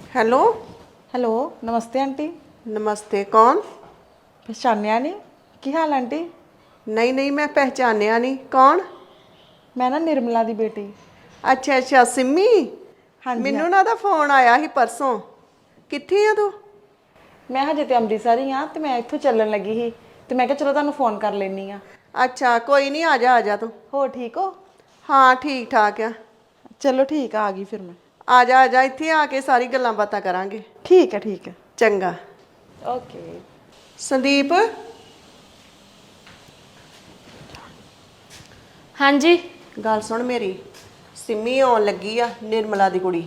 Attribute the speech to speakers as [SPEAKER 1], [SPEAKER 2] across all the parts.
[SPEAKER 1] Hello.
[SPEAKER 2] Hello नमस्ते aunty.
[SPEAKER 1] नमस्ते। कौन?
[SPEAKER 2] पहचानिया नहीं? की हाल आंटी?
[SPEAKER 1] नहीं नहीं, मैं पहचानिया नहीं। कौन?
[SPEAKER 2] मैं ना निर्मला दी बेटी।
[SPEAKER 1] अच्छा अच्छा, सिमी।
[SPEAKER 2] हाँ जी हाँ।
[SPEAKER 1] मैनू ना दा फोन आया ही परसों। कित्थे आ तू?
[SPEAKER 2] मैं हजे तो अमृतसर ही हाँ, तो मैं इत्थों चलन लगी ही, तो मैं क्या चलो तुहानू फोन कर लेनी हाँ।
[SPEAKER 1] अच्छा कोई नहीं, आ जा तू।
[SPEAKER 2] हो ठीक हो?
[SPEAKER 1] हाँ ठीक ठाक है।
[SPEAKER 2] चलो ठीक है, आ गई फिर मैं।
[SPEAKER 1] आ जा इत्थे आके सारी गल्लां बातां करांगे।
[SPEAKER 2] ठीक है ठीक है।
[SPEAKER 1] चंगा।
[SPEAKER 2] ओके।
[SPEAKER 1] संदीप,
[SPEAKER 3] हाँ जी।
[SPEAKER 1] गल सुन मेरी। सिमी आउण लगी आ, निर्मला दी कुड़ी।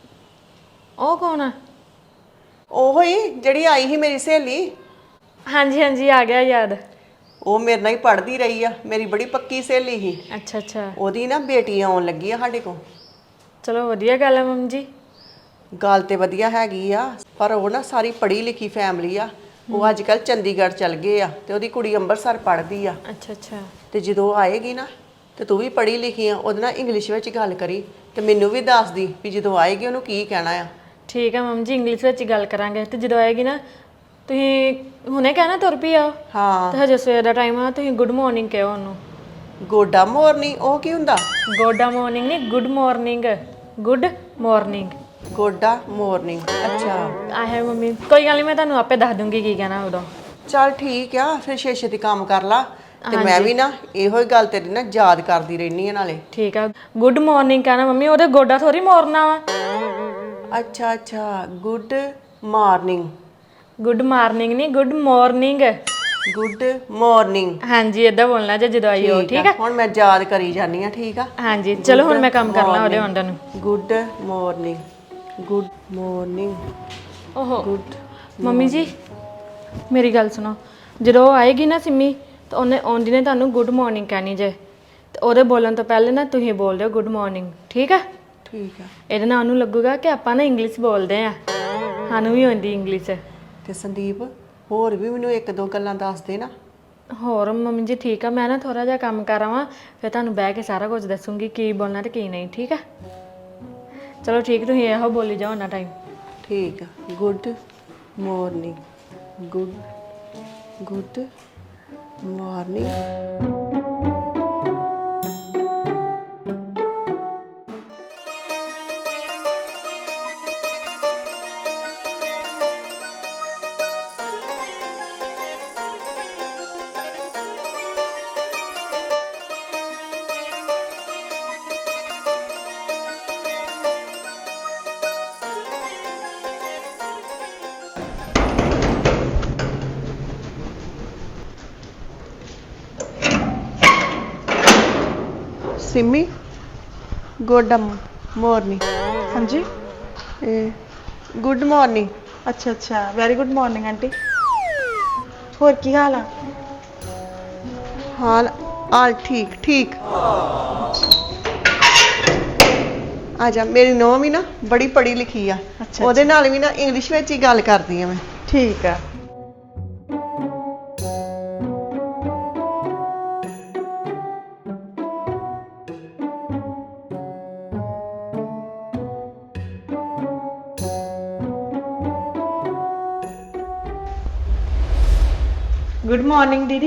[SPEAKER 3] ਉਹ कौन है?
[SPEAKER 1] ओहो ही जिहड़ी आई ही मेरी सहेली।
[SPEAKER 3] हाँ जी आ गया याद।
[SPEAKER 1] ਉਹ ਮੇਰੇ ਨਾਲ ਹੀ ਪੜ੍ਹਦੀ ਰਹੀ ਆ, ਮੇਰੀ ਬੜੀ ਪੱਕੀ ਸਹੇਲੀ ਸੀ।
[SPEAKER 3] अच्छा अच्छा।
[SPEAKER 1] ਉਹਦੀ ਨਾ ਬੇਟੀ ਆਉਣ ਲੱਗੀ ਆ ਸਾਡੇ ਕੋਲ।
[SPEAKER 3] चलो वधिया गल है मम्मी जी।
[SPEAKER 1] ਗੱਲ ਤੇ ਵਧੀਆ ਹੈਗੀ ਆ, ਪਰ ਉਹ ਨਾ ਸਾਰੀ ਪੜ੍ਹੀ ਲਿਖੀ ਫੈਮਿਲੀ ਆ। ਉਹ ਅੱਜ ਕੱਲ ਚੰਡੀਗੜ੍ਹ ਚਲ ਗਏ ਆ ਤੇ ਉਹਦੀ ਕੁੜੀ ਅੰਮ੍ਰਿਤਸਰ ਪੜ੍ਹਦੀ ਆ।
[SPEAKER 3] अच्छा अच्छा।
[SPEAKER 1] ਤੇ ਜਦੋਂ ਆਏਗੀ ਨਾ ਤੇ ਤੂੰ ਵੀ ਪੜ੍ਹੀ ਲਿਖੀ ਆ, ਉਹਦੇ ਨਾਲ ਇੰਗਲਿਸ਼ ਵਿੱਚ ਗੱਲ ਕਰੀ ਤੇ ਮੈਨੂੰ ਵੀ ਦੱਸਦੀ ਵੀ ਜਦੋਂ ਆਏਗੀ ਉਹਨੂੰ ਕੀ ਕਹਿਣਾ ਆ।
[SPEAKER 3] ठीक है मम्मी जी, इंग्लिश ਵਿੱਚ ਗੱਲ ਕਰਾਂਗੇ ਤੇ ਜਦੋਂ ਆਏਗੀ ਨਾ ਤੁਸੀਂ ਹੁਣੇ ਕਹਿਣਾ ਤੁਰ ਪਈ ਆਓ
[SPEAKER 1] ਹਾਂ।
[SPEAKER 3] ਤੇ ਹਜੇ ਸਵੇਰ ਦਾ ਟਾਈਮ ਆ, ਤੁਸੀਂ ਗੁੱਡ ਮਾਰਨਿੰਗ ਕਹੋ ਉਹਨੂੰ।
[SPEAKER 1] ਗੋਡਾ ਮੋਰਨੀ ਉਹ ਕੀ ਹੁੰਦਾ?
[SPEAKER 3] ਗੋਡਾ ਮਾਰਨਿੰਗ ਨਹੀਂ, ਗੁੱਡ ਮਾਰਨਿੰਗ। Good morning.
[SPEAKER 1] ਗੋਡਾ ਮੋਰਨਿੰਗ। ਅੱਛਾ
[SPEAKER 3] ਆ ਹੈ ਮੰਮੀ, ਕੋਈ ਗੱਲ ਨਹੀਂ, ਮੈਂ ਤੁਹਾਨੂੰ ਆਪੇ ਦੱਸ ਦੂੰਗੀ ਕੀ ਕਹਿਣਾ ਉਦੋਂ।
[SPEAKER 1] ਚੱਲ ਠੀਕ ਆ, ਫਿਰ ਛੇ ਦੀ ਕੰਮ ਕਰ ਲਾ ਤੇ ਮੈਂ ਵੀ ਨਾ ਇਹੋ ਹੀ ਗੱਲ ਤੇਰੀ ਨਾ ਯਾਦ ਕਰਦੀ ਰਹਿਣੀ ਆ ਨਾਲੇ।
[SPEAKER 3] ਠੀਕ ਆ, ਗੁੱਡ ਮਾਰਨਿੰਗ ਕਹਿਣਾ ਮੰਮੀ, ਉਹਦੇ ਗੋਡਾ ਥੋੜੀ ਮੋਰਨਾ ਵਾ।
[SPEAKER 1] ਅੱਛਾ ਅੱਛਾ, ਗੁੱਡ ਮਾਰਨਿੰਗ।
[SPEAKER 3] ਗੁੱਡ ਮਾਰਨਿੰਗ ਨਹੀਂ, ਗੁੱਡ ਮਾਰਨਿੰਗ।
[SPEAKER 1] Good morning.
[SPEAKER 3] ਹਾਂਜੀ ਇਦਾਂ ਬੋਲਣਾ ਜੇ ਜਦੋਂ ਆਈ ਹੋ। ਠੀਕ ਆ,
[SPEAKER 1] ਹੁਣ ਮੈਂ ਯਾਦ ਕਰੀ ਜਾਨੀ ਆ। ਠੀਕ ਆ।
[SPEAKER 3] ਹਾਂਜੀ ਚਲੋ ਹੁਣ ਮੈਂ ਕੰਮ ਕਰ ਲਾਂ ਉਹਦੇ ਆਉਂਦੇ ਨੂੰ।
[SPEAKER 1] Good morning. Good morning.
[SPEAKER 3] ਓਹੋ
[SPEAKER 1] ਗੁੱਡ।
[SPEAKER 3] ਮੰਮੀ ਜੀ ਮੇਰੀ ਗੱਲ ਸੁਣੋ, ਜਦੋਂ ਉਹ ਆਏਗੀ ਨਾ ਸਿੰਮੀ, ਤਾਂ ਉਹਨੇ ਆਉਂਦੀ ਨੇ ਤੁਹਾਨੂੰ ਗੁੱਡ ਮਾਰਨਿੰਗ ਕਹਿਣੀ ਜੇ, ਤੇ ਉਹਦੇ ਬੋਲਣ ਤੋਂ ਪਹਿਲੇ ਨਾ ਤੁਸੀਂ ਬੋਲ ਦਿਓ ਗੁੱਡ ਮਾਰਨਿੰਗ। ਠੀਕ ਆ?
[SPEAKER 1] ਠੀਕ ਆ।
[SPEAKER 3] ਇਹਦੇ ਨਾਲ ਉਹਨੂੰ ਲੱਗੂਗਾ ਕਿ ਆਪਾਂ ਨਾ ਇੰਗਲਿਸ਼ ਬੋਲਦੇ ਆ, ਸਾਨੂੰ ਵੀ ਆਉਂਦੀ ਇੰਗਲਿਸ਼।
[SPEAKER 1] ਤੇ ਸੰਦੀਪ, ਹੋਰ ਵੀ ਮੈਨੂੰ ਇੱਕ ਦੋ ਗੱਲਾਂ ਦੱਸ ਦੇ ਨਾ।
[SPEAKER 3] ਹੋਰ ਮੰਮੀ ਜੀ ਠੀਕ ਆ, ਮੈਂ ਨਾ ਥੋੜਾ ਜਿਹਾ ਕੰਮ ਕਰ ਆਵਾਂ, ਫਿਰ ਤੁਹਾਨੂੰ ਬਹਿ ਕੇ ਸਾਰਾ ਕੁਝ ਦੱਸੂਗੀ ਕੀ ਬੋਲਣਾ ਤੇ ਕੀ ਨਹੀਂ। ਠੀਕ ਆ? ਚਲੋ ਠੀਕ, ਤੁਸੀਂ ਇਹੋ ਬੋਲੀ ਜਾਓ ਨਾ ਟਾਈਮ।
[SPEAKER 1] ਠੀਕ ਆ। Good morning. Good morning. Simi, good morning.
[SPEAKER 2] हाँ जी।
[SPEAKER 1] Good morning.
[SPEAKER 2] अच्छा अच्छा, वेरी गुड मॉर्निंग आंटी। होर की हाल आ?
[SPEAKER 1] हाल हाल ठीक ठीक। आ जा, मेरी नौं भी ना बड़ी पढ़ी लिखी आ।
[SPEAKER 2] अच्छा
[SPEAKER 1] ਉਹਦੇ ਨਾਲ ਵੀ ਨਾ ਇੰਗਲਿਸ਼ ਵਿੱਚ ਹੀ ਗੱਲ ਕਰਦੀ ਆ ਮੈਂ।
[SPEAKER 2] ठीक है। गुड मॉर्निंग दीदी।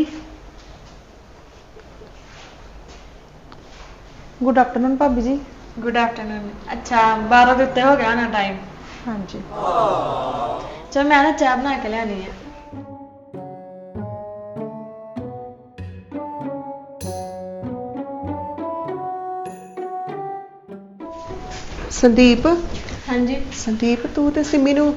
[SPEAKER 2] गुड आफ्टरनून भाभी जी।
[SPEAKER 3] Good afternoon. अच्छा 12 ਦੇ ਉੱਤੇ ਹੋ ਗਿਆ ਨਾ ਟਾਈਮ।
[SPEAKER 2] हाँ जी।
[SPEAKER 3] ਚਲ ਮੈਂ ਨਾ ਚਾਹ ਬਣਾ ਕੇ ਲਿਆਣੀ ਹੈ।
[SPEAKER 1] ਸੰਦੀਪ,
[SPEAKER 3] ਹਾਂਜੀ।
[SPEAKER 1] ਸੰਦੀਪ ਤੂੰ ਤੇ ਸਿਮੀ ਨੂੰ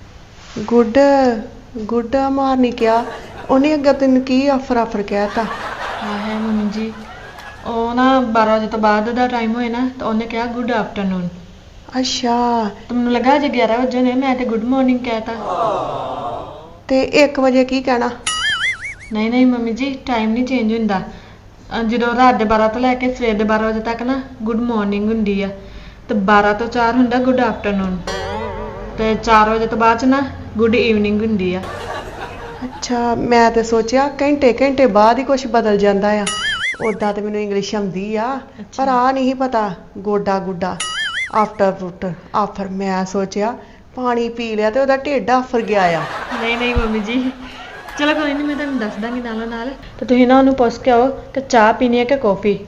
[SPEAKER 1] ਗੁੱਡ ਮਾਰਨੀ ਕਿਹਾ, ਉਹਨੇ ਅੱਗੇ ਤੈਨੂੰ ਕੀ ਆਫਰ ਕਹਿਤਾ?
[SPEAKER 3] ਹਾਂ ਹੈ ਮੰਮੀ ਜੀ, ਉਹ ਨਾ 12 ਵਜੇ ਤੋਂ ਬਾਅਦ ਦਾ ਟਾਈਮ ਹੋਏ ਨਾ, ਤਾਂ ਉਹਨੇ ਕਿਹਾ ਗੁੱਡ ਆਫਟਰਨੂਨ।
[SPEAKER 1] ਅੱਛਾ।
[SPEAKER 3] ਤਾਂ ਮੈਨੂੰ ਲੱਗਾ ਜੇ 11 ਵਜੇ ਨੇ, ਮੈਂ ਤੇ ਗੁੱਡ ਮਾਰਨਿੰਗ ਕਹਿਤਾ।
[SPEAKER 1] ਤੇ 1 ਵਜੇ ਕੀ ਕਹਿਣਾ?
[SPEAKER 3] ਨਹੀਂ ਨਹੀਂ ਮੰਮੀ ਜੀ, ਟਾਈਮ ਨਹੀਂ ਚੇਂਜ ਹੁੰਦਾ। ਜਦੋਂ ਰਾਤ ਦੇ 12 ਤੋਂ ਲੈ ਕੇ ਸਵੇਰ ਦੇ 12 ਵਜੇ ਤੱਕ ਨਾ ਗੁੱਡ ਮਾਰਨਿੰਗ ਹੁੰਦੀ ਆ, ਤੇ 12 ਤੋਂ 4 ਹੁੰਦਾ ਗੁੱਡ ਆਫਟਰਨੂਨ, ਤੇ 4 ਵਜੇ ਤੋਂ ਬਾਅਦ ਚ ਨਾ ਗੁੱਡ ਈਵਨਿੰਗ ਹੁੰਦੀ ਆ।
[SPEAKER 1] ਅੱਛਾ, ਮੈਂ ਤੇ ਸੋਚਿਆ ਘੰਟੇ ਬਾਅਦ ਹੀ ਕੁਝ ਬਦਲ ਜਾਂਦਾ ਆ। ਉਦਾਂ ਤੇ ਮੈਨੂੰ ਇੰਗਲਿਸ਼ ਆਉਂਦੀ ਆ, ਪਰ ਆ ਨਹੀਂ ਪਤਾ ਗੋਡਾ ਗੁੱਡਾ ਆਫਟਰ ਆਫਰ। ਮੈਂ ਸੋਚਿਆ ਪਾਣੀ ਪੀ ਲਿਆ ਤੇ ਉਹਦਾ ਢਿੱਡ ਆਫਰ ਗਿਆ ਆ।
[SPEAKER 3] ਨਹੀਂ ਨਹੀਂ ਮੰਮੀ ਜੀ, ਚਲੋ ਕੋਈ ਨਹੀਂ, ਮੈਂ ਤੁਹਾਨੂੰ ਦੱਸ ਦਾਂਗੀ ਨਾਲੋਂ ਨਾਲ। ਤੇ ਤੁਸੀਂ ਨਾ ਉਹਨੂੰ ਪੁੱਛ ਕੇ ਆਓ ਕਿ ਚਾਹ ਪੀਣੀ ਹੈ ਕਿ ਕੌਫੀ।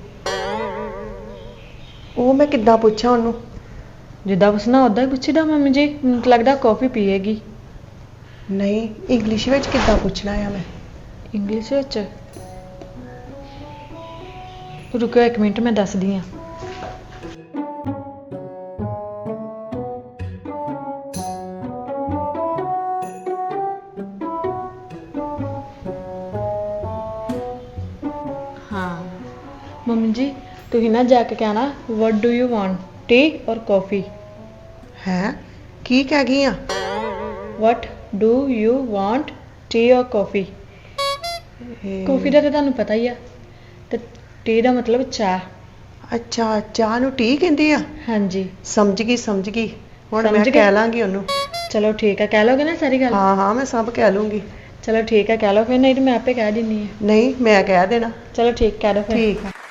[SPEAKER 1] ਉਹ ਮੈਂ ਕਿੱਦਾਂ ਪੁੱਛਾਂ ਉਹਨੂੰ?
[SPEAKER 3] ਜਿੱਦਾਂ ਪੁੱਛਣਾ ਉਦਾਂ ਹੀ ਪੁੱਛੀਦਾ ਮੰਮੀ ਜੀ, ਮੈਨੂੰ ਤਾਂ ਲੱਗਦਾ ਕੌਫੀ ਪੀਏਗੀ।
[SPEAKER 1] ਨਹੀਂ, ਇੰਗਲਿਸ਼ ਵਿੱਚ ਕਿੱਦਾਂ ਪੁੱਛਣਾ ਆ ਮੈਂ?
[SPEAKER 3] ਇੰਗਲਿਸ਼ ਵਿੱਚ ਰੁਕੋ 1 ਮਿੰਟ, ਮੈਂ ਦੱਸਦੀ ਹਾਂ। ਹਾਂ ਮੰਮੀ ਜੀ, ਤੁਸੀਂ ਨਾ ਜਾ ਕੇ ਕਹਿਣਾ what do you want, tea or coffee?
[SPEAKER 1] ਹੈ ਕੀ ਕਹਿ ਗਈ ਆ?
[SPEAKER 3] what do you want, tea or coffee? Coffee ਦਾ ਤਾਂ ਤੁਹਾਨੂੰ ਪਤਾ ਹੀ ਆ, ਤੇ ਟੀ ਦਾ ਮਤਲਬ ਚਾਹ।
[SPEAKER 1] ਅੱਛਾ, ਚਾਹ ਨੂੰ ਟੀ ਕਹਿੰਦੇ ਆ?
[SPEAKER 3] ਹਾਂਜੀ
[SPEAKER 1] ਸਮਝ ਗਈ ਸਮਝ ਗਈ, ਹੁਣ
[SPEAKER 3] ਸਮਝ
[SPEAKER 1] ਮੈਂ
[SPEAKER 3] ਗਏ?
[SPEAKER 1] ਕਹਿ ਲਾਂਗੀ ਉਹਨੂੰ।
[SPEAKER 3] ਚਲੋ ਠੀਕ ਹੈ, ਕਹਿ ਲੋਗੇ ਨਾ ਸਾਰੀ ਗੱਲ?
[SPEAKER 1] ਹਾਂ ਹਾਂ, ਮੈਂ ਸਭ ਕਹਿ ਲੂੰਗੀ।
[SPEAKER 3] ਚਲੋ ਠੀਕ ਹੈ, ਕਹਿ ਲਓ ਫਿਰ, ਨਹੀਂ ਤਾਂ ਮੈਂ ਆਪੇ ਕਹਿ ਦਿੰਨੀ ਆ।
[SPEAKER 1] ਨਹੀਂ, ਮੈਂ ਕਹਿ ਦੇਣਾ।
[SPEAKER 3] ਚਲੋ ਠੀਕ, ਕਹਿ ਦੋ ਫਿਰ।
[SPEAKER 1] ਠੀਕ ਆ।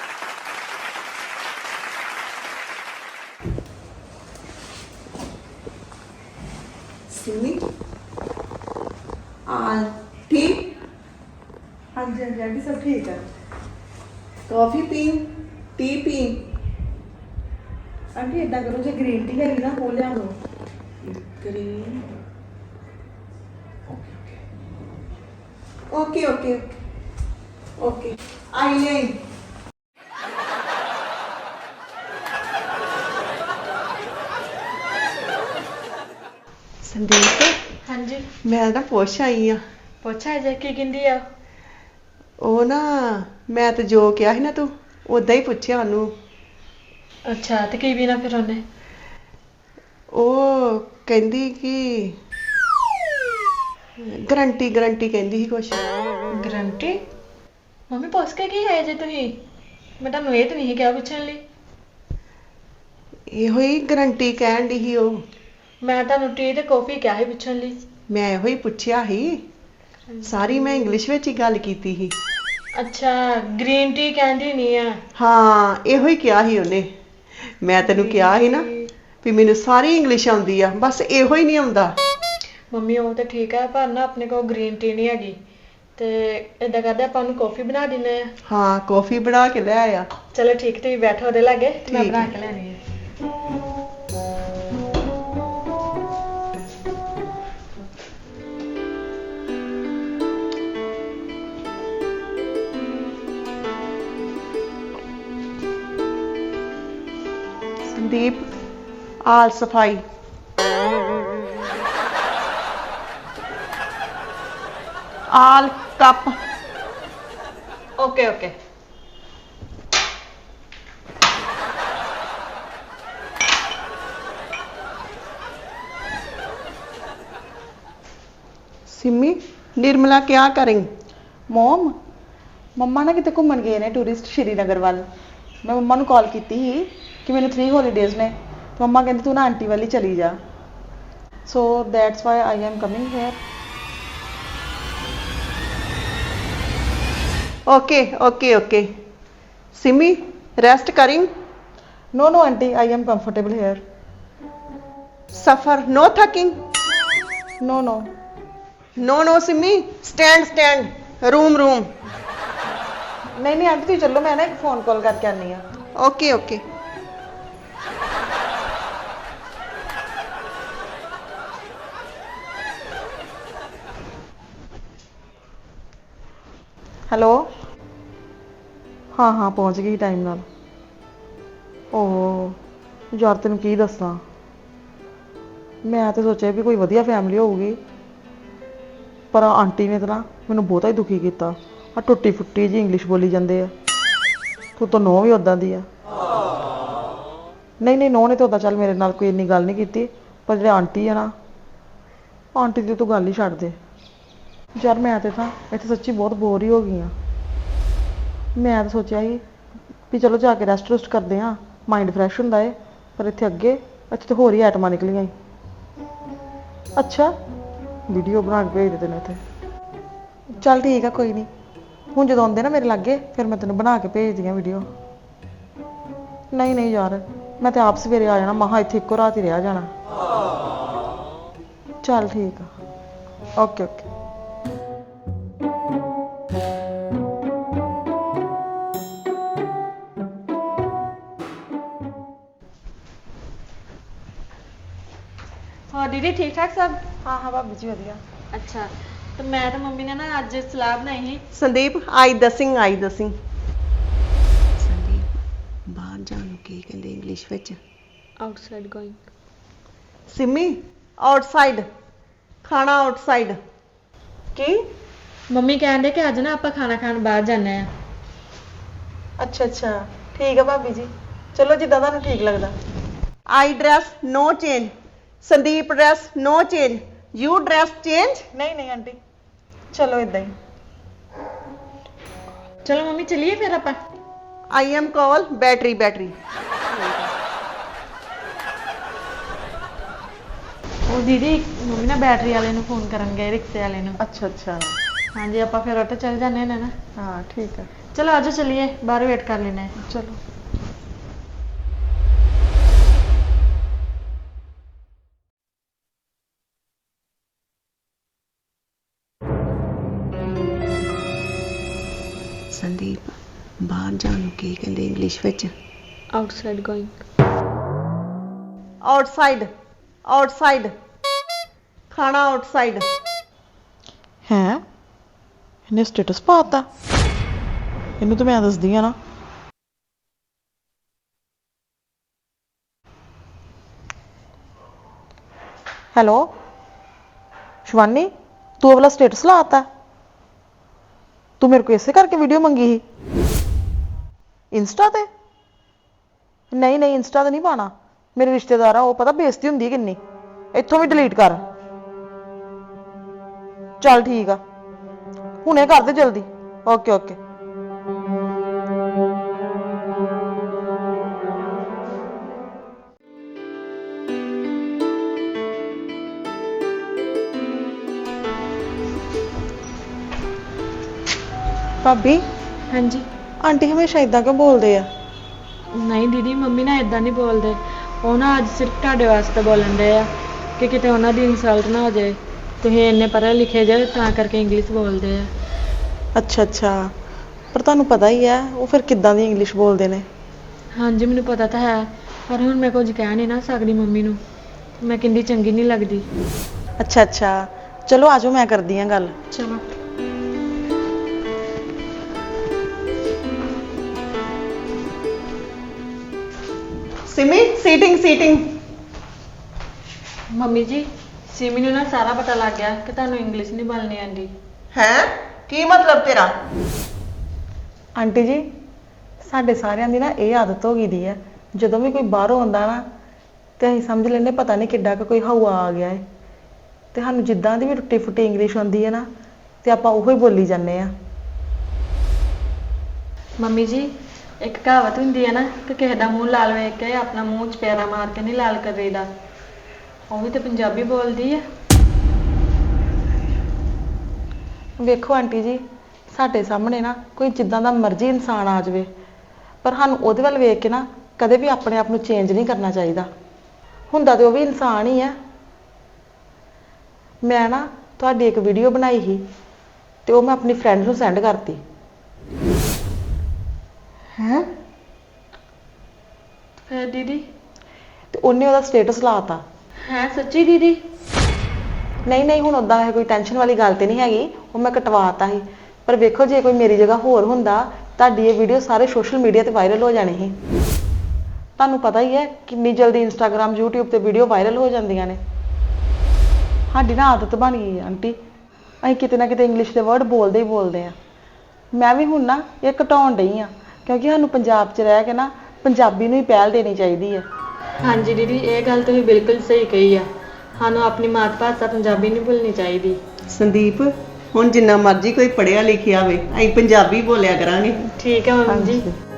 [SPEAKER 1] ਸਿੰਮੀ ਠੀਕ?
[SPEAKER 2] ਹਾਂਜੀ ਹਾਂਜੀ ਆਂਟੀ ਸਭ ਠੀਕ ਹੈ।
[SPEAKER 1] ਕਾਫੀ ਪੀ, ਟੀ ਪੀ?
[SPEAKER 2] ਆਂਟੀ ਇਦਾਂ ਕਰੋ, ਜੇ ਗ੍ਰੀਨ ਟੀ ਹੈਗੀ ਨਾ ਉਹ ਲਿਆ ਲਓ।
[SPEAKER 1] ਗ੍ਰੀਨ, ਓਕੇ ਓਕੇ ਓਕੇ, ਆਈ ਨਹੀਂ। ਸੰਦੀਪ,
[SPEAKER 3] ਹਾਂਜੀ
[SPEAKER 1] ਮੈਂ ਨਾ ਪੁੱਛ ਆਈ ਆ।
[SPEAKER 3] ਪੁੱਛਾ ਜੇ ਕੀ ਕਹਿੰਦੀ ਆ?
[SPEAKER 1] ਉਹ ਨਾ, ਮੈਂ ਤੇ ਜੋ ਕਿਹਾ ਸੀ ਨਾ ਤੂੰ ਉਦਾਂ ਹੀ ਪੁੱਛਿਆ ਉਹਨੂੰ।
[SPEAKER 3] ਅੱਛਾ, ਤੇ ਕੀ ਪੀਣਾ ਫਿਰ ਉਹਨੇ?
[SPEAKER 1] ਉਹ ਕਹਿੰਦੀ ਕਿ ਗਰੰਟੀ ਗਰੰਟੀ ਕਹਿੰਦੀ ਸੀ ਕੁਛ।
[SPEAKER 3] ਗਰੰਟੀ? ਮੰਮੀ ਪੁੱਛ ਕੇ ਕੀ ਹੈ ਜੇ ਤੁਸੀਂ? ਮੈਂ ਤੁਹਾਨੂੰ ਇਹ ਤਾਂ ਨਹੀਂ ਕਿਹਾ ਪੁੱਛਣ ਲਈ।
[SPEAKER 1] ਇਹੋ ਹੀ ਗਰੰਟੀ ਕਹਿਣ ਦੀ ਸੀ ਉਹ।
[SPEAKER 3] ਮੈਂ ਤੁਹਾਨੂੰ ਟੀ ਤੇ ਕੌਫੀ ਕਿਹਾ ਸੀ ਪੁੱਛਣ ਲਈ।
[SPEAKER 1] ਮੈਂ ਇਹੋ ਹੀ ਪੁੱਛਿਆ ਸੀ, ਸਾਰੀ ਮੈਂ ਇੰਗਲਿਸ਼ ਵਿੱਚ ਹੀ ਗੱਲ ਕੀਤੀ ਸੀ।
[SPEAKER 3] ਅੱਛਾ, ਗ੍ਰੀਨ ਟੀ ਕਹਿੰਦੀ ਨਹੀਂ ਆ?
[SPEAKER 1] ਹਾਂ, ਇਹੋ ਹੀ ਕਿਹਾ ਸੀ ਉਹਨੇ। ਮੈਂ ਤੈਨੂੰ ਕਿਹਾ ਸੀ ਨਾ ਵੀ ਮੈਨੂੰ ਸਾਰੀ ਇੰਗਲਿਸ਼ ਆਉਂਦੀ ਆ, ਬਸ ਇਹੋ ਹੀ ਨਹੀਂ ਆਉਂਦਾ।
[SPEAKER 3] ਮੰਮੀ ਉਹ ਤਾਂ ਠੀਕ ਹੈ, ਪਰ ਨਾ ਆਪਣੇ ਕੋਲ ਗ੍ਰੀਨ ਟੀ ਨਹੀਂ ਹੈਗੀ, ਤੇ ਏਦਾਂ ਕਰਦੇ ਆਪਾਂ ਉਹਨੂੰ ਕੌਫੀ ਬਣਾ ਦਿੰਨੇ ਆ।
[SPEAKER 1] ਹਾਂ, ਕੌਫੀ ਬਣਾ ਕੇ ਲੈ ਆਇਆ।
[SPEAKER 3] ਚਲੋ ਠੀਕ, ਤੁਸੀਂ ਬੈਠੋ ਉਹਦੇ ਲਾਗੇ ਤੇ ਮੈਂ
[SPEAKER 1] ਠੀਕ
[SPEAKER 3] ਬਣਾ
[SPEAKER 1] ਹੈ।
[SPEAKER 3] ਕੇ ਲੈਣੀ ਹੈ।
[SPEAKER 1] ਸੰਦੀਪ, ਆਲ ਸਫਾਈ। All cup.
[SPEAKER 3] Okay okay.
[SPEAKER 1] Simi, Nirmala क्या करेंगे?
[SPEAKER 2] ਮੋਮ, ਮੰਮਾ ਨਾ ਕਿਤੇ ਘੁੰਮਣ ਗਏ ਨੇ ਟੂਰਿਸਟ ਸ਼੍ਰੀਨਗਰ ਵੱਲ। ਮੈਂ ਮੰਮਾ ਨੂੰ ਕਾਲ ਕੀਤੀ ਸੀ ਕਿ ਮੈਨੂੰ 3 ਹੌਲੀਡੇਜ਼ ਨੇ, ਤੇ ਮੰਮਾ ਕਹਿੰਦੀ ਤੂੰ ਨਾ ਆਂਟੀ ਵੱਲ ਹੀ ਚਲੀ ਜਾ। So that's why I am coming here.
[SPEAKER 1] Okay okay okay. Simi, rest करेंगे?
[SPEAKER 2] No no auntie, I am comfortable here.
[SPEAKER 1] सफर नो थकिंग?
[SPEAKER 2] No no.
[SPEAKER 1] No no Simi, stand stand, room room.
[SPEAKER 2] नहीं नहीं आंटी तुम चलो, मैं ना एक फोन कॉल करके आनी हाँ।
[SPEAKER 1] Okay okay.
[SPEAKER 2] ਹੈਲੋ, ਹਾਂ ਹਾਂ ਪਹੁੰਚ ਗਈ ਟਾਈਮ ਨਾਲ। ਓਹ ਯਾਰ ਤੈਨੂੰ ਕੀ ਦੱਸਾਂ, ਮੈਂ ਤਾਂ ਸੋਚਿਆ ਵੀ ਕੋਈ ਵਧੀਆ ਫੈਮਿਲੀ ਹੋਊਗੀ, ਪਰ ਆਂਟੀ ਨੇ ਤਾਂ ਨਾ ਮੈਨੂੰ ਬਹੁਤਾ ਹੀ ਦੁਖੀ ਕੀਤਾ। ਆ ਟੁੱਟੀ ਫੁੱਟੀ ਜੀ ਇੰਗਲਿਸ਼ ਬੋਲੀ ਜਾਂਦੇ ਆ। ਤੂੰ ਤਾਂ ਨੋ ਵੀ ਉਦਾਂ ਦੀ ਆ। ਨਹੀਂ ਨਹੀਂ, ਨੋ ਨੇ ਤਾਂ ਉਦਾਂ ਚੱਲ ਮੇਰੇ ਨਾਲ ਕੋਈ ਇੰਨੀ ਗੱਲ ਨਹੀਂ ਕੀਤੀ, ਪਰ ਜਿਹੜੇ ਆਂਟੀ ਆ ਨਾ, ਆਂਟੀ ਦੀ ਤੂੰ ਗੱਲ ਹੀ ਛੱਡ ਦੇ ਯਾਰ। ਮੈਂ ਤੇ ਤਾਂ ਇੱਥੇ ਸੱਚੀ ਬਹੁਤ ਬੋਰ ਹੀ ਹੋ ਗਈ ਹਾਂ। ਮੈਂ ਤਾਂ ਸੋਚਿਆ ਸੀ ਵੀ ਚਲੋ ਜਾ ਕੇ ਰੈਸਟ ਰੁਸਟ ਕਰਦੇ ਹਾਂ, ਮਾਈਂਡ ਫਰੈਸ਼ ਹੁੰਦਾ ਏ, ਪਰ ਇੱਥੇ ਤਾਂ ਹੋਰ ਹੀ ਆਈਟਮਾਂ ਨਿਕਲੀਆਂ ਈ। ਅੱਛਾ, ਵੀਡੀਓ ਬਣਾ ਕੇ ਭੇਜ ਦੇ ਤੈਨੂੰ ਇੱਥੇ। ਚੱਲ ਠੀਕ ਆ, ਕੋਈ ਨਹੀਂ, ਹੁਣ ਜਦੋਂ ਆਉਂਦੇ ਨਾ ਮੇਰੇ ਲਾਗੇ ਫਿਰ ਮੈਂ ਤੈਨੂੰ ਬਣਾ ਕੇ ਭੇਜਦੀ ਹਾਂ ਵੀਡੀਓ। ਨਹੀਂ ਨਹੀਂ ਯਾਰ, ਮੈਂ ਤਾਂ ਆਪ ਸਵੇਰੇ ਆ ਜਾਣਾ, ਮਹਾ ਇੱਥੇ ਇੱਕੋ ਰਾਤ ਹੀ ਰਹਿ ਜਾਣਾ। ਚੱਲ ਠੀਕ ਆ। Okay okay.
[SPEAKER 3] ਹੋਰ ਦੀਦੀ ਠੀਕ ਠਾਕ ਸਭ?
[SPEAKER 2] ਹਾਂ ਹਾਂ ਭਾਬੀ ਜੀ ਵਧੀਆ।
[SPEAKER 3] ਅੱਛਾ, ਤੇ ਮੈਂ ਤੇ ਮੰਮੀ ਨੇ ਨਾ ਅੱਜ ਸਲਾਹ ਬਣਾਈ ਸੀ।
[SPEAKER 1] ਸੰਦੀਪ ਆਈ ਦਸਿੰਗ ਸੰਦੀਪ ਬਾਹਰ ਜਾਣ ਨੂੰ ਕੀ ਕਹਿੰਦੇ ਇੰਗਲਿਸ਼ ਵਿੱਚ?
[SPEAKER 3] Outside going.
[SPEAKER 1] ਸਿਮੀ ਆਊਟਸਾਈਡ, ਖਾਣਾ ਆਊਟਸਾਈਡ। ਕੀ?
[SPEAKER 3] ਮੰਮੀ ਕਹਿੰਦੇ ਕਿ ਅੱਜ ਨਾ ਆਪਾਂ ਖਾਣਾ ਖਾਣ ਬਾਹਰ ਜਾਣਾ ਆ।
[SPEAKER 2] ਅੱਛਾ ਅੱਛਾ ਠੀਕ ਆ ਭਾਬੀ ਜੀ, ਚਲੋ ਜਿੱਦਾਂ ਤੁਹਾਨੂੰ ਠੀਕ ਲੱਗਦਾ।
[SPEAKER 1] I dress no change, Sandeep dress no change, you dress change.
[SPEAKER 2] ਨਹੀਂ ਨਹੀਂ ਆਂਟੀ, ਚਲੋ ਇਦਾਂ ਹੀ।
[SPEAKER 3] ਚਲੋ ਮੰਮੀ ਚੱਲੀਏ ਫਿਰ ਆਪਾਂ।
[SPEAKER 1] I am call battery.
[SPEAKER 3] ਉਹ ਦੀਦੀ ਮੰਮੀ ਨਾ ਬੈਟਰੀ ਵਾਲੇ ਨੂੰ ਫੋਨ ਕਰਨ ਗਏ, ਰਿਕਸ਼ੇ ਵਾਲੇ ਨੂੰ।
[SPEAKER 2] ਅੱਛਾ ਅੱਛਾ
[SPEAKER 3] ਹਾਂਜੀ ਆਪਾਂ ਫਿਰ ਉੱਥੇ ਚੱਲ ਜਾਂਦੇ ਨੇ ਨਾ।
[SPEAKER 2] ਹਾਂ ਠੀਕ ਆ।
[SPEAKER 3] ਚਲੋ ਆਜੋ ਚੱਲੀਏ, ਬਾਹਰ ਵੇਟ ਕਰ ਲੈਣਾ ਹੈ।
[SPEAKER 2] ਚਲੋ।
[SPEAKER 1] ਸੰਦੀਪ ਬਾਹਰ ਜਾਣ ਨੂੰ ਕੀ ਕਹਿੰਦੇ ਇੰਗਲਿਸ਼ ਵਿੱਚ?
[SPEAKER 3] Outside going.
[SPEAKER 1] ਆਊਟਸਾਈਡ, ਖਾਣਾ ਆਊਟਸਾਈਡ।
[SPEAKER 2] ਹੈ ਇਹਨੇ ਸਟੇਟਸ ਪਾਤਾ, ਇਹਨੂੰ ਤਾਂ ਮੈਂ ਦੱਸਦੀ ਆ ਨਾ। ਹੈਲੋ ਸ਼ਿਵਾਨੀ, ਤੂੰ ਵਾਲਾ ਸਟੇਟਸ ਲਾਤਾ? ਤੂੰ ਮੇਰੇ ਕੋਲ ਇਸੇ ਕਰਕੇ ਵੀਡੀਓ ਮੰਗੀ ਸੀ ਇੰਸਟਾ ਤੇ? ਨਹੀਂ ਨਹੀਂ ਇੰਸਟਾ ਤੇ ਨਹੀਂ ਪਾਣਾ, ਮੇਰੇ ਰਿਸ਼ਤੇਦਾਰ ਆ, ਉਹ ਪਤਾ ਬੇਇੱਜ਼ਤੀ ਹੁੰਦੀ ਕਿੰਨੀ। ਇੱਥੋਂ ਵੀ ਡਿਲੀਟ ਕਰ। ਚੱਲ ਠੀਕ ਆ, ਹੁਣੇ ਕਰ ਦੇ ਜਲਦੀ। Okay okay. ਭਾਬੀ
[SPEAKER 3] ਹਾਂਜੀ।
[SPEAKER 2] ਆਂਟੀ ਹਮੇਸ਼ਾ ਇਦਾਂ ਕਿਉਂ ਬੋਲਦੇ ਆ?
[SPEAKER 3] ਨਹੀਂ ਦੀਦੀ ਮੰਮੀ ਨਾ ਇਦਾਂ ਨਹੀਂ ਬੋਲਦੇ, ਉਹ ਨਾ ਅੱਜ ਸਿਰਫ ਤੁਹਾਡੇ ਵਾਸਤੇ ਬੋਲਣ ਦੇ ਆ ਕਿ ਕਿਤੇ ਉਹਨਾਂ ਦੀ ਇਨਸਲਟ ਨਾ ਹੋ ਜਾਏ। ਤੁਸੀਂ ਇੰਨੇ ਪੜ੍ਹੇ ਲਿਖੇ ਜੇ ਤਾਂ ਕਰਕੇ ਇੰਗਲਿਸ਼ ਬੋਲਦੇ ਆ।
[SPEAKER 2] ਅੱਛਾ ਅੱਛਾ, ਪਰ ਤੁਹਾਨੂੰ ਪਤਾ ਹੀ ਹੈ ਉਹ ਫਿਰ ਕਿੱਦਾਂ ਦੀ ਇੰਗਲਿਸ਼ ਬੋਲਦੇ ਨੇ।
[SPEAKER 3] ਹਾਂਜੀ ਮੈਨੂੰ ਪਤਾ ਤਾਂ ਹੈ, ਪਰ ਹੁਣ ਮੈਂ ਕੁਝ ਕਹਿ ਨਹੀਂ ਨਾ ਸਕਦੀ ਮੰਮੀ ਨੂੰ, ਮੈਂ ਕਿੰਨੀ ਚੰਗੀ ਨਹੀਂ ਲੱਗਦੀ।
[SPEAKER 2] ਅੱਛਾ ਅੱਛਾ ਚਲੋ ਆਜੋ, ਮੈਂ ਕਰਦੀ ਹਾਂ ਗੱਲ।
[SPEAKER 3] ਚਲੋ।
[SPEAKER 1] ਸਿਮੀ ਸੀਟਿੰਗ।
[SPEAKER 3] ਮੰਮੀ ਜੀ ਸਿਮੀ ਨੂੰ ਨਾ ਸਾਰਾ ਪਤਾ ਲੱਗ ਗਿਆ ਕਿ ਤੁਹਾਨੂੰ ਇੰਗਲਿਸ਼ ਨਹੀਂ ਬੋਲਣੀ ਆਉਂਦੀ।
[SPEAKER 1] ਹੈ ਕੀ ਮਤਲਬ ਤੇਰਾ?
[SPEAKER 2] ਆਂਟੀ ਜੀ ਸਾਡੇ ਸਾਰਿਆਂ ਦੀ ਨਾ ਇਹ ਆਦਤ ਹੋ ਗਈ ਦੀ ਹੈ, ਜਦੋਂ ਵੀ ਕੋਈ ਬਾਹਰੋਂ ਆਉਂਦਾ ਨਾ ਤੇ ਅਸੀਂ ਸਮਝ ਲੈਂਦੇ ਪਤਾ ਨਹੀਂ ਕਿੱਡਾ ਕੁ ਕੋਈ ਹਵਾ ਆ ਗਿਆ ਹੈ, ਤੇ ਸਾਨੂੰ ਜਿੱਦਾਂ ਦੀ ਵੀ ਟੁੱਟੀ ਫੁੱਟੀ ਇੰਗਲਿਸ਼ ਆਉਂਦੀ ਹੈ ਨਾ ਤੇ ਆਪਾਂ ਉਹੀ ਬੋਲੀ ਜਾਂਦੇ ਆ।
[SPEAKER 3] ਮੰਮੀ ਜੀ ਇੱਕ ਕਹਾਵਤ ਹੁੰਦੀ ਹੈ ਨਾ ਕਿ ਕਿਸੇ ਦਾ ਮੂੰਹ ਲਾਲ ਵੇਖ ਕੇ ਆਪਣਾ ਮੂੰਹ ਚਪੇੜਾ ਮਾਰ ਕੇ ਨਹੀਂ ਲਾਲ ਕਰੀਦਾ, ਉਹ ਵੀ ਤਾਂ ਪੰਜਾਬੀ ਬੋਲਦੀ ਹੈ।
[SPEAKER 2] ਵੇਖੋ ਆਂਟੀ ਜੀ, ਸਾਡੇ ਸਾਹਮਣੇ ਨਾ ਕੋਈ ਜਿੱਦਾਂ ਦਾ ਮਰਜ਼ੀ ਇਨਸਾਨ ਆ ਜਾਵੇ, ਪਰ ਸਾਨੂੰ ਉਹਦੇ ਵੱਲ ਵੇਖ ਕੇ ਨਾ ਕਦੇ ਵੀ ਆਪਣੇ ਆਪ ਨੂੰ ਚੇਂਜ ਨਹੀਂ ਕਰਨਾ ਚਾਹੀਦਾ। ਹੁੰਦਾ ਤੇ ਉਹ ਵੀ ਇਨਸਾਨ ਹੀ ਆ। ਮੈਂ ਨਾ ਤੁਹਾਡੀ ਇੱਕ ਵੀਡੀਓ ਬਣਾਈ ਸੀ ਤੇ ਉਹ ਮੈਂ ਆਪਣੀ ਫਰੈਂਡ ਨੂੰ ਸੈਂਡ ਕਰਤੀ। ਹੈ
[SPEAKER 3] ਫਿਰ ਦੀਦੀ?
[SPEAKER 2] ਤੇ ਉਹਨੇ ਉਹਦਾ ਸਟੇਟਸ ਲਾਤਾ।
[SPEAKER 3] ਹੈ ਸੱਚੀ ਦੀਦੀ?
[SPEAKER 2] ਨਹੀਂ ਨਹੀਂ ਹੁਣ ਉਦਾਂ ਵੈਸੇ ਕੋਈ ਟੈਨਸ਼ਨ ਵਾਲੀ ਗੱਲ ਤੇ ਨਹੀਂ ਹੈਗੀ, ਉਹ ਮੈਂ ਕਟਵਾਤਾ ਸੀ। ਪਰ ਵੇਖੋ ਜੇ ਕੋਈ ਮੇਰੀ ਜਗ੍ਹਾ ਹੋਰ ਹੁੰਦਾ, ਤੁਹਾਡੀ ਇਹ ਵੀਡੀਓ ਸਾਰੇ ਸੋਸ਼ਲ ਮੀਡੀਆ ਤੇ ਵਾਇਰਲ ਹੋ ਜਾਣੀ ਸੀ। ਤੁਹਾਨੂੰ ਪਤਾ ਹੀ ਹੈ ਕਿੰਨੀ ਜਲਦੀ ਇੰਸਟਾਗ੍ਰਾਮ YouTube ਤੇ ਵੀਡੀਓ ਵਾਇਰਲ ਹੋ ਜਾਂਦੀਆਂ ਨੇ। ਸਾਡੀ ਨਾ ਆਦਤ ਬਣ ਗਈ ਹੈ ਆਂਟੀ, ਅਸੀਂ ਕਿਤੇ ਨਾ ਕਿਤੇ ਇੰਗਲਿਸ਼ ਦੇ ਵਰਡ ਬੋਲਦੇ ਹੀ ਬੋਲਦੇ ਆ। ਮੈਂ ਵੀ ਹੁਣ ਨਾ ਇਹ ਘਟਾਉਣ ਡਈ ਆ, ਕਿਉਂਕਿ ਸਾਨੂੰ ਪੰਜਾਬ 'ਚ ਰਹਿ ਕੇ ਨਾ ਪੰਜਾਬੀ ਨੂੰ ਹੀ ਪਹਿਲ ਦੇਣੀ ਚਾਹੀਦੀ ਹੈ।
[SPEAKER 3] ਹਾਂਜੀ ਦੀਦੀ ਇਹ ਗੱਲ ਤੁਸੀਂ ਬਿਲਕੁਲ ਸਹੀ ਕਹੀ ਆ, ਸਾਨੂੰ ਆਪਣੀ ਮਾਤ ਭਾਸ਼ਾ ਪੰਜਾਬੀ ਨਹੀਂ ਭੁੱਲਣੀ ਚਾਹੀਦੀ।
[SPEAKER 1] ਸੰਦੀਪ ਹੁਣ ਜਿੰਨਾ ਮਰਜ਼ੀ ਕੋਈ ਪੜ੍ਹਿਆ ਲਿਖਿਆ ਹੋਵੇ ਅਸੀਂ ਪੰਜਾਬੀ ਬੋਲਿਆ ਕਰਾਂਗੇ।
[SPEAKER 3] ਠੀਕ ਹੈ ਮੰਮੀ ਜੀ।
[SPEAKER 2] ਹਾਂਜੀ।